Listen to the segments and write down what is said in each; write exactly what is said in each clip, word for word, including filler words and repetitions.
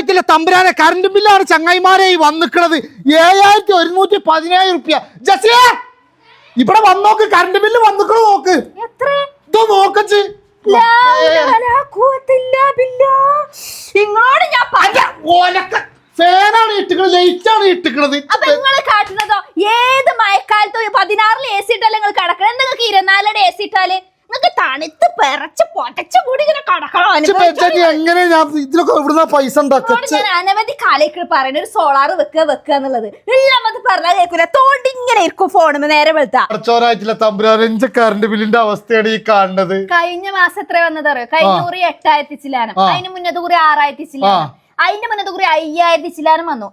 പടച്ചോനായിട്ടില്ല തമ്പുരാനെ കറണ്ട് ബില്ലാണ് ചങ്ങായിമാരെ വന്നിക്കണത് ഏഴായിരത്തി ഒരുന്നൂറ്റി പതിനേഴ് റുപ്യ. ജസിയെ ഇവിടെ വന്നോക്ക് കറണ്ട് ബില്ല് വന്നിക്കണോ നോക്ക്. ഇതോ നോക്കച്ച് ഫാനാണ് ഇട്ടിക്കണത്, ലൈറ്റാണ് ഇട്ടിക്കണത്. അപ്പൊ നിങ്ങള് കാട്ടുന്നതോ ഏത് മഴക്കാലത്തോ പതിനാറിൽ എ സി ഇട്ടാലും നിങ്ങൾ കിടക്കണം. നിങ്ങൾക്ക് ഇരുപത്തിനാലിടെ എ സി ഇട്ടാല് നിങ്ങൾക്ക് തണുത്ത് പെറച്ച് പൊട്ടച്ച് കൂടി ഇങ്ങനെ കിടക്കണം. എങ്ങനെ ഇതിലൊക്കെ ഇവിടുന്ന പൈസ ഞാൻ അനവധി കാലേക്ക് പറയുന്ന ഒരു സോളാർ വെക്കുക വെക്കുക എന്നുള്ളത് എല്ലാം പറഞ്ഞാൽ കേൾക്കൂല. തോണ്ടി ഇങ്ങനെ ഇരിക്കും ഫോണിന് നേരെ വെളുത്താ. പടച്ചോനായിട്ടില്ല തമ്പുരാനെ കറണ്ട് ബില്ലിന്റെ അവസ്ഥയാണ് ഈ കാണുന്നത്. കഴിഞ്ഞ മാസം എത്ര വന്നത് അറിയോ? കഴിഞ്ഞ കുറി എട്ടായിരത്തി ചില്ലാനം, അതിന് മുന്നത്തെ കുറി ആറായിരത്തി ചില്ലാനം, അതിന്റെ മുന്നത്തെ കുറി അയ്യായിരത്തി ചില്ലാനം വന്നു.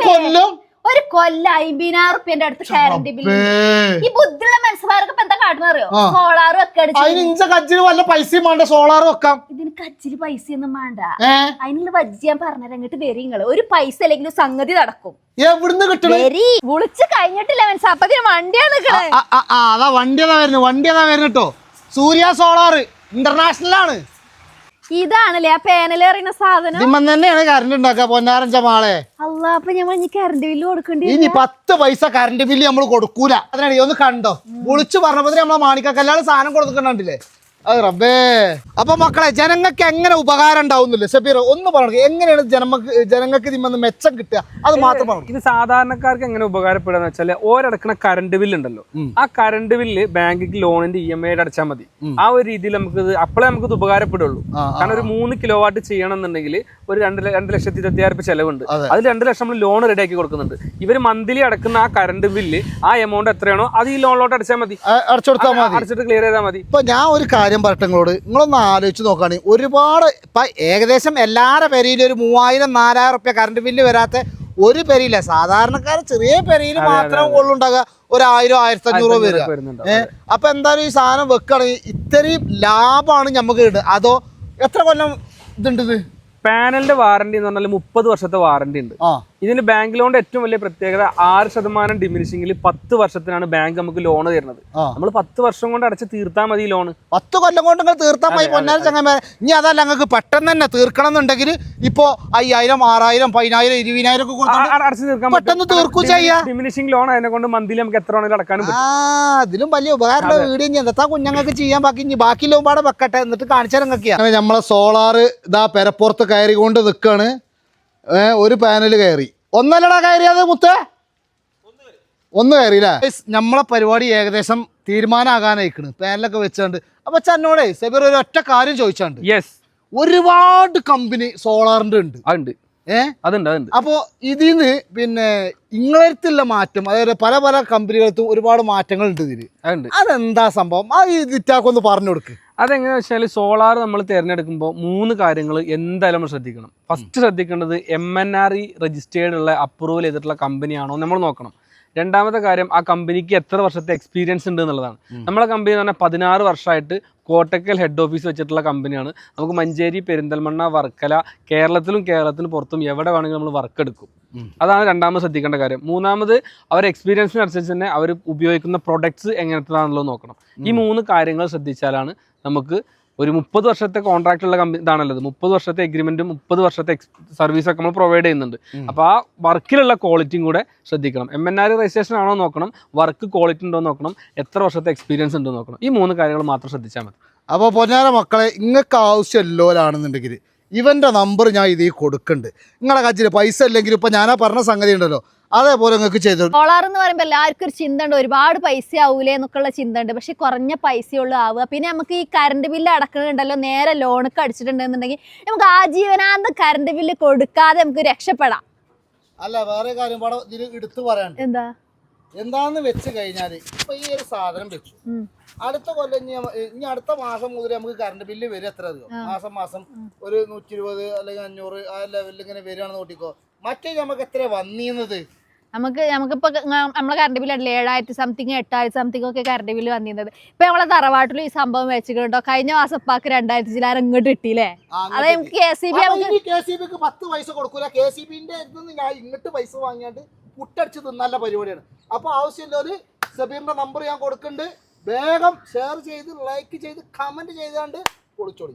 ഒരു കൊല്ലം അമ്പതിനായിരം റുപ്യന്റെ അടുത്ത് കറണ്ട് ബില്ല്. ഈ ബുദ്ധിയുള്ള മനസ്സുകാർക്ക് എന്താ കാട്ടുന്ന അറിയോ? സോളാർ വല്ല പൈസയും വേണ്ട, സോളാർ വെക്കാം. ഇതിന് കച്ചില് പൈസയൊന്നും വേണ്ട. അതിനുള്ള വജ്ജി ഞാൻ പറഞ്ഞത് അങ്ങോട്ട് വരി. നിങ്ങള് ഒരു പൈസ അല്ലെങ്കിലും സംഗതി നടക്കും. എവിടുന്ന് കിട്ടും? വിളിച്ച് കഴിഞ്ഞിട്ടില്ല മനസ്സ്, അപ്പത്തിന് വണ്ടിയാണ് നിക്കണേ. അതാ വണ്ടി അതാ വരുന്നത്, വണ്ടി അതാ വരുന്നത് കേട്ടോ. സൂര്യ സോളാർ ഇന്റർനാഷണൽ ആണ്. ഇതാണല്ലേ ആ പാനൽ എറിയുന്ന സാധനം. ഇതിമ്മൻ തന്നെയാണ് കറണ്ട് ഉണ്ടാക്കുക പൊന്നാരഞ്ച മാളെ. അല്ല അപ്പൊ ഞമ്മൾ ഇനി കറണ്ട് ബില്ല് കൊടുക്കണ്ടി. ഇനി പത്ത് പൈസ കറണ്ട് ബില്ല് നമ്മൾ കൊടുക്കൂല. അതിനാണ് ഒന്ന് കണ്ടോ വിളിച്ചു പറഞ്ഞപ്പോ നമ്മളെ മാണിക്കല്ലാതെ സാധനം കൊടുക്കുന്നുണ്ടില്ലേ. അത് റബ്ബേ. അപ്പൊ മക്കളെ ജനങ്ങൾക്ക് എങ്ങനെ ഉപകാരം ഉണ്ടാവുന്നില്ല ഷബീർ ഒന്ന് പറഞ്ഞു, എങ്ങനെയാണ് ജനങ്ങൾക്ക് ജനങ്ങൾക്ക് ഇതിന്ന് മെച്ചം കിട്ടുക അത് മാത്രം പറഞ്ഞു. ഇത് സാധാരണക്കാർക്ക് എങ്ങനെ ഉപകാരപ്പെടുക വെച്ചാല് ഓരടക്കണ കറണ്ട് ബില്ല് ഉണ്ടല്ലോ, ആ കറണ്ട് ബില്ല് ബാങ്കിക്ക് ലോണിന്റെ ഇ എം ഐ അടച്ചാൽ മതി. ആ ഒരു രീതിയിൽ നമുക്ക് ഇത് അപ്പോഴേ നമുക്ക് ഇത് ഉപകാരപ്പെടുള്ളൂ. കാരണം ഒരു മൂന്ന് കിലോ വാട്ട് ചെയ്യണം എന്നുണ്ടെങ്കിൽ ഒരു രണ്ട് രണ്ട് ലക്ഷത്തി ഇരുപത്തിയായിരം രൂപ ചെലവുണ്ട്. അതിൽ രണ്ട് ലക്ഷം നമ്മൾ ലോൺ റെഡിയാക്കി കൊടുക്കുന്നുണ്ട്. ഇവർ മന്ത്ലി അടക്കുന്ന ആ കറണ്ട് ബില്ല് ആ എമൗണ്ട് എത്രയാണോ അത് ഈ ലോണിലോട്ട് അടച്ചാൽ മതി, അടച്ചിട്ട് ക്ലിയർ ചെയ്താൽ മതി. ഇപ്പൊ ഞാൻ ഒരു കാര്യം പറട്ടെ നിങ്ങളോട്, നിങ്ങളൊന്ന് ആലോചിച്ച് നോക്കുകയാണെങ്കിൽ ഒരുപാട് ഇപ്പം ഏകദേശം എല്ലാവരുടെ പെരയിലും ഒരു മൂവായിരം നാലായിരം റുപ്യ കറണ്ട് ബില്ല് വരാത്ത ഒരു പെരയില്ല. സാധാരണക്കാർ ചെറിയ പെരയിൽ മാത്രം കൊള്ളുണ്ടാകുക ഒരു ആയിരം ആയിരത്തി അഞ്ഞൂറ് വരിക. ഏഹ് അപ്പൊ എന്തായാലും ഈ സാധനം വെക്കുകയാണെങ്കിൽ ഇത്രയും ലാഭമാണ് നമുക്ക് കിട്ടുക. അതോ എത്ര കൊല്ലം ഇതുണ്ട്? ഇത് പാനലിന്റെ വാറന്റി എന്ന് പറഞ്ഞാൽ മുപ്പത് വർഷത്തെ വാറന്റി ഉണ്ട്. ഇതിന് ബാങ്ക് ലോണിന്റെ ഏറ്റവും വലിയ പ്രത്യേകത ആറ് ശതമാനം ഡിമിനിഷിംഗിൽ പത്ത് വർഷത്തിനാണ് ബാങ്ക് നമുക്ക് ലോൺ തരുന്നത്. നമ്മൾ പത്ത് വർഷം കൊണ്ട് അടച്ച് തീർത്താൽ മതി ലോണ്. പത്ത് കൊല്ലം കൊണ്ട് നിങ്ങൾ തീർത്താൽ മതി പൊന്നാരം ചങ്ങന്മാരെ. ഇനി അതല്ല നിങ്ങൾക്ക് പെട്ടെന്ന് തന്നെ തീർക്കണം എന്നുണ്ടെങ്കിൽ ഇപ്പോ അയ്യായിരം ആറായിരം പതിനായിരം ഇരുപതിനായിരം ഒക്കെ അടച്ച് തീർക്കാൻ പെട്ടെന്ന് തീർക്കും ചെയ്യാം. ഡിമിനിഷിംഗ് ലോൺ അതിനെ കൊണ്ട് മന്ത്ലി നമുക്ക് എത്ര വേണമെങ്കിലും അടക്കാനും പറ്റും. ആ അതിലും വലിയ ഉപകാരമുള്ള വീഡിയോ ഇനി എന്താ കുഞ്ഞുങ്ങൾക്ക് ചെയ്യാൻ ബാക്കി ഇനി ബാക്കി ലോമ്പാടെ വെക്കട്ടെ എന്നിട്ട് കാണിച്ചാൽ നിങ്ങൾക്കാണ്. നമ്മളെ സോളാർ ഇതാ പെരപ്പുറത്ത് കയറി കൊണ്ട് നിൽക്കാണ്. ഒരു പാനൽ കയറി ഒന്നല്ലടാ കയറിയത് മുത്തേ, ഒന്ന് കയറിയില്ലേ. നമ്മളെ പരിപാടി ഏകദേശം തീരുമാനമാകാനായിക്കണ് പാനലൊക്കെ വെച്ചാണ്ട്. അപ്പൊ ചന്നോടെ സെബീർ ഒരു ഒറ്റ കാര്യം ചോദിച്ചാണ്ട്, യെസ് ഒരുപാട് കമ്പനി സോളാറിന്റെ ഉണ്ട് ഉണ്ട് ഏഹ് അതുണ്ട് അതുണ്ട്. അപ്പോൾ ഇതിന്ന് പിന്നെ ഇങ്ങളടുത്തുള്ള മാറ്റം അതായത് പല പല കമ്പനികൾക്കും ഒരുപാട് മാറ്റങ്ങൾ ഉണ്ട് ഇതില്. അതെന്താ സംഭവം? ആ ഇതിറ്റാക്കൊന്ന് പറഞ്ഞു കൊടുക്ക്. അതെങ്ങനെയാ വെച്ചാൽ സോളാർ നമ്മൾ തിരഞ്ഞെടുക്കുമ്പോൾ മൂന്ന് കാര്യങ്ങൾ എന്തായാലും നമ്മൾ ശ്രദ്ധിക്കണം. ഫസ്റ്റ് ശ്രദ്ധിക്കേണ്ടത് M N R E registered ഉള്ള അപ്രൂവൽ ചെയ്തിട്ടുള്ള കമ്പനിയാണോ നമ്മൾ നോക്കണം. രണ്ടാമത്തെ കാര്യം ആ കമ്പനിക്ക് എത്ര വർഷത്തെ എക്സ്പീരിയൻസ് ഉണ്ട് എന്നുള്ളതാണ്. നമ്മളെ കമ്പനി എന്ന് പറഞ്ഞാൽ പതിനാറ് വർഷമായിട്ട് കോട്ടക്കൽ ഹെഡ് ഓഫീസ് വെച്ചിട്ടുള്ള കമ്പനിയാണ്. നമുക്ക് മഞ്ചേരി, പെരിന്തൽമണ്ണ, വർക്കല, കേരളത്തിലും കേരളത്തിന് പുറത്തും എവിടെ വേണമെങ്കിലും നമ്മൾ വർക്ക് എടുക്കും. അതാണ് രണ്ടാമത് ശ്രദ്ധിക്കേണ്ട കാര്യം. മൂന്നാമത് അവർ എക്സ്പീരിയൻസിനനുസരിച്ച് തന്നെ അവർ ഉപയോഗിക്കുന്ന പ്രൊഡക്ട്സ് എങ്ങനത്തേതാണല്ലോ നോക്കണം. ഈ മൂന്ന് കാര്യങ്ങൾ ശ്രദ്ധിച്ചാലാണ് നമുക്ക് ഒരു മുപ്പത് വർഷത്തെ കോൺട്രാക്ട് ഉള്ള കമ്പനി ഇതാണല്ലത്. മുപ്പത് വർഷത്തെ എഗ്രിമെന്റും മുപ്പത് വർഷത്തെ സർവീസൊക്കെ നമ്മൾ പ്രൊവൈഡ് ചെയ്യുന്നുണ്ട്. അപ്പോൾ ആ വർക്കിലുള്ള ക്വാളിറ്റിയും കൂടെ ശ്രദ്ധിക്കണം. എം എൻ ആർ രജിസ്ട്രേഷൻ ആണോ നോക്കണം, വർക്ക് ക്വാളിറ്റി ഉണ്ടോ നോക്കണം, എത്ര വർഷത്തെ എക്സ്പീരിയൻസ് ഉണ്ടോ നോക്കണം. ഈ മൂന്ന് കാര്യങ്ങൾ മാത്രം ശ്രദ്ധിച്ചാൽ മതി. അപ്പോൾ പൊന്നാര മക്കളെ, നിങ്ങൾക്ക് ആവശ്യമില്ലോലാണെന്നുണ്ടെങ്കിൽ ഇവൻ്റെ നമ്പർ ഞാൻ ഇതിൽ കൊടുക്കുന്നുണ്ട്. നിങ്ങളുടെ കയ്യിൽ പൈസ ഇല്ലെങ്കിൽ ഇപ്പം ഞാനാ പറഞ്ഞ സംഗതി ഉണ്ടല്ലോ അതേപോലെ നിങ്ങൾക്ക് ചെയ്തു. സോളാർ എന്ന് പറയുമ്പോൾ എല്ലാവർക്കും ഒരു ചിന്ത ഉണ്ട്, ഒരുപാട് പൈസ ആവൂലേ എന്നൊക്കെയുള്ള ചിന്ത ഉണ്ട്. പക്ഷെ കുറഞ്ഞ പൈസയുള്ള ആവുക. പിന്നെ നമുക്ക് ഈ കറണ്ട് ബില്ല് അടക്കുന്നുണ്ടല്ലോ, നേരെ ലോണൊക്കെ അടിച്ചിട്ടുണ്ടെന്നുണ്ടെങ്കിൽ നമുക്ക് ആജീവനാന്ത കറണ്ട് ബില്ല് കൊടുക്കാതെ നമുക്ക് രക്ഷപ്പെടാം. അല്ല വേറെ കാര്യം ഇതിൽ എടുത്തു പറയാൻ എന്താ എന്താന്ന് വെച്ച് കഴിഞ്ഞാൽ ഇപ്പൊ ഈ ഒരു സാധനം വെച്ചു അടുത്ത കൊല്ലം ഇനി അടുത്ത മാസം മുതൽ നമുക്ക് കറണ്ട് ബില്ല് വരും. എത്ര അധികം മാസം മാസം ഒരു നൂറ്റി ഇരുപത് അല്ലെങ്കിൽ അഞ്ഞൂറ് ആ ലെവലിൽ ഇങ്ങനെ വരികയാണെന്ന് നോക്കിക്കോ. മറ്റേ നമുക്ക് എത്ര വന്നിരുന്നത്? നമുക്ക് നമുക്കിപ്പോൾ നമ്മളെ കറണ്ട് ബില്ല് ഉണ്ടല്ലോ ഏഴായിരത്തി സംതിങ് എട്ടായിരത്തി സംതിങ് ഒക്കെ കറണ്ട് ബില്ല് വന്നിരുന്നത്. ഇപ്പൊ നമ്മളെ തറവാട്ടിൽ ഈ സംഭവം വെച്ചിട്ടുണ്ടോ, കഴിഞ്ഞ മാസം ഉപ്പാക്ക് രണ്ടായിരത്തി ചില്ലാരം ഇങ്ങോട്ട് കിട്ടിയില്ലേ. അത് നമുക്ക് K C B K C ബിക്ക് പത്ത് പൈസ കൊടുക്കൂല. കെ സി ബിന്റെ ഞാൻ ഇങ്ങോട്ട് പൈസ വാങ്ങിയാണ്ട് പുട്ടടിച്ച് തിന്നല്ല പരിപാടിയാണ്. അപ്പൊ ആവശ്യമില്ല സബീറിന്റെ നമ്പർ ഞാൻ കൊടുക്കുന്നുണ്ട്. വേഗം ഷെയർ ചെയ്ത് ലൈക്ക് ചെയ്ത് കമന്റ് ചെയ്താണ്ട് പൊളിച്ചോളി.